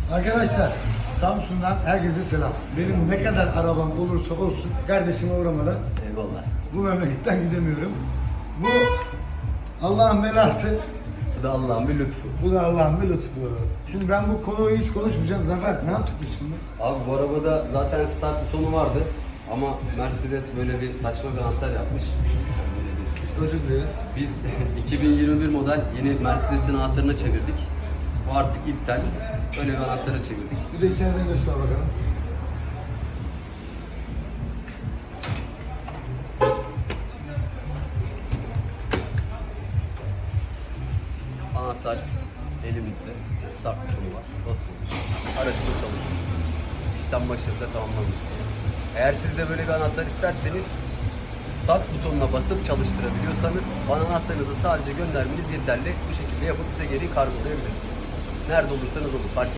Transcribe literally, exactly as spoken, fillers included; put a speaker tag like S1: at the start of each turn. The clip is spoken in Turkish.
S1: Arkadaşlar Samsun'dan herkese selam. Benim ne kadar arabam olursa olsun kardeşime uğramadan
S2: Eyvallah.
S1: bu memleketten gidemiyorum. Bu Allah'ın belası,
S2: Bu da Allah'ın bir lütfu.
S1: bu da Allah'ın bir lütfu. Şimdi ben bu konuyu hiç konuşmayacağım. Zafer ne yaptık biz şimdi?
S2: Abi bu arabada zaten start butonu vardı. Ama Mercedes böyle bir saçma bir anahtar yapmış. Yani böyle bir
S1: Özür dileriz.
S2: Biz iki bin yirmi bir model yeni Mercedes'in anahtarına çevirdik. Bu artık iptal. Böyle bir anahtara çevirdik.
S1: Bir de içeriden göster bakalım.
S2: Anahtar elimizde. Start butonu var. Basılmış. Aracımız çalışıyor. İşlem başarıyla tamamlanmıştır. Eğer siz de böyle bir anahtar isterseniz start butonuna basıp çalıştırabiliyorsanız bana anahtarınızı sadece göndermeniz yeterli. Bu şekilde yapıp size geri kargolayabilirim. Nerede olursanız olur. Fark